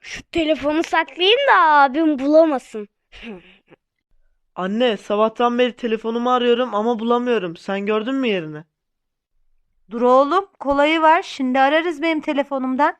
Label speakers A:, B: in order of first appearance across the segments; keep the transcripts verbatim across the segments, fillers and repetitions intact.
A: Şu telefonu saklayayım da abim bulamasın.
B: Anne, sabahtan beri telefonumu arıyorum ama bulamıyorum. Sen gördün mü yerini?
C: Dur oğlum, kolayı var. Şimdi ararız benim telefonumdan.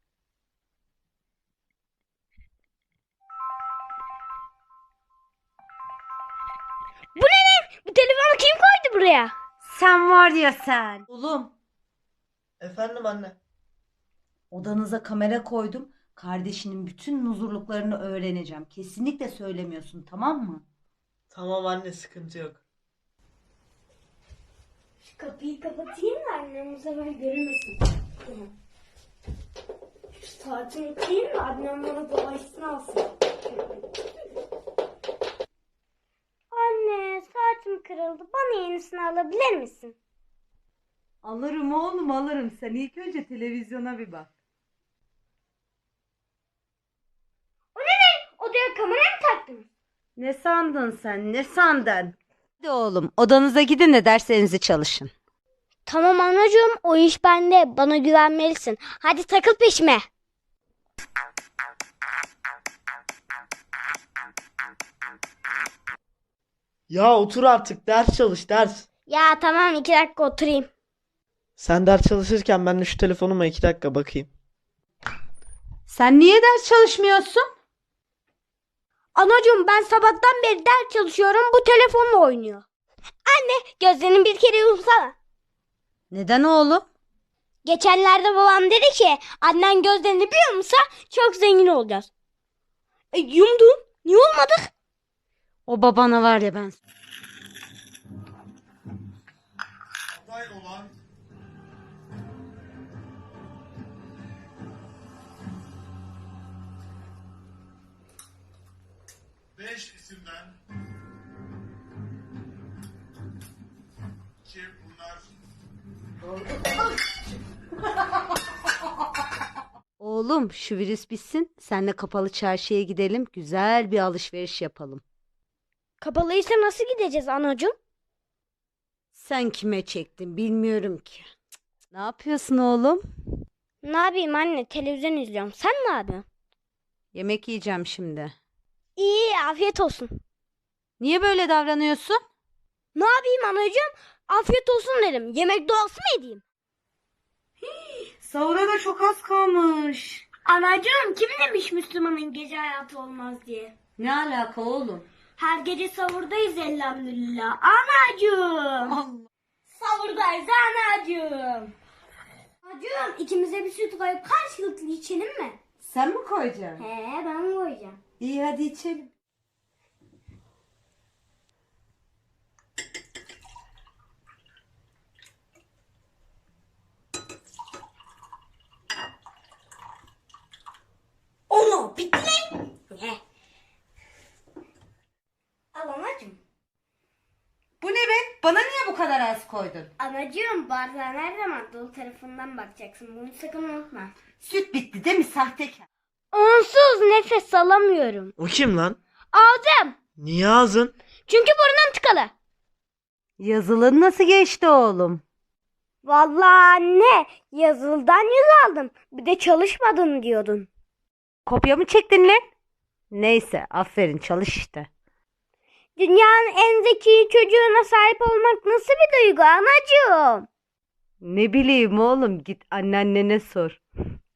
A: Bu ne lan? Bu telefonu kim koydu buraya?
C: Sen var ya sen. Oğlum,
B: Efendim anne.
C: odanıza kamera koydum. Kardeşinin bütün nuzurluklarını öğreneceğim. Kesinlikle söylemiyorsun, tamam mı?
B: Tamam anne, sıkıntı yok.
A: Şu kapıyı kapatayım da annem bu sefer görünmesin. Şu saatimi koyayım da annem bana dolaşsın alsın. Anne saatim kırıldı. Bana yenisini alabilir misin?
C: Alırım oğlum, alırım. Sen ilk önce televizyona bir bak.
A: O ne ne? Odaya kamera mı taktınız?
C: Ne sandın sen, ne sandın? Hadi oğlum, odanıza gidin de derslerinizi çalışın.
A: Tamam anacığım, o iş bende. Bana güvenmelisin. Hadi takıl peşime.
B: Ya otur artık, ders çalış, ders.
A: Ya tamam, iki dakika oturayım.
B: Sen ders çalışırken ben de şu telefonuma iki dakika bakayım.
C: Sen niye ders çalışmıyorsun?
A: Anacığım ben sabahtan beri ders çalışıyorum. Bu telefonla oynuyor. Anne gözlerini bir kere yumsana.
C: Neden oğlum?
A: Geçenlerde babam dedi ki annen gözlerini bir yumsa çok zengin olacağız. E, yumdun. Niye olmadık?
C: O babana var ya ben.
D: Aday olan beş isimden ki bunlar
C: Oğlum şu virüs bitsin. Senle kapalı çarşıya gidelim. Güzel bir alışveriş yapalım.
A: Kapalıysa nasıl gideceğiz anacığım?
C: Sen kime çektin bilmiyorum ki. Cık, Ne yapıyorsun oğlum?
A: Ne yapayım anne, televizyon izliyorum. Sen ne yapıyorsun?
C: Yemek yiyeceğim şimdi.
A: İyi, afiyet olsun.
C: Niye böyle davranıyorsun?
A: Ne yapayım anacığım? Afiyet olsun dedim. Yemek duası mı edeyim?
C: Sahura da çok az kalmış.
A: Anacığım kim demiş Müslümanın gece hayatı olmaz diye?
C: Ne alaka oğlum?
A: Her gece savurdayız elhamdülillah. Anacığım.
C: Allah.
A: Savurdayız anacığım. Anacığım ikimize bir süt koyup karşılıklı içelim mi?
C: Sen mi koyacaksın?
A: He ben koyacağım.
C: İyi hadi içelim.
A: Onu bitti mi? He. Al anacığım.
C: Bu ne be? Bana niye bu kadar az koydun?
A: Anacığım bardağı her zaman dolu tarafından bakacaksın. Bunu sakın unutma.
C: Süt bitti değil mi sahtekar?
A: Onsuz nefes alamıyorum.
B: O kim lan?
A: Ağzım.
B: Niye ağzın?
A: Çünkü burnum tıkalı.
C: Yazılın nasıl geçti oğlum?
A: Vallahi anne yazıldan yüz aldım. Bir de çalışmadın diyordun.
C: Kopya mı çektin lan? Neyse aferin çalış işte.
A: Dünyanın en zeki çocuğuna sahip olmak nasıl bir duygu anacığım?
C: Ne bileyim oğlum git anneannene sor.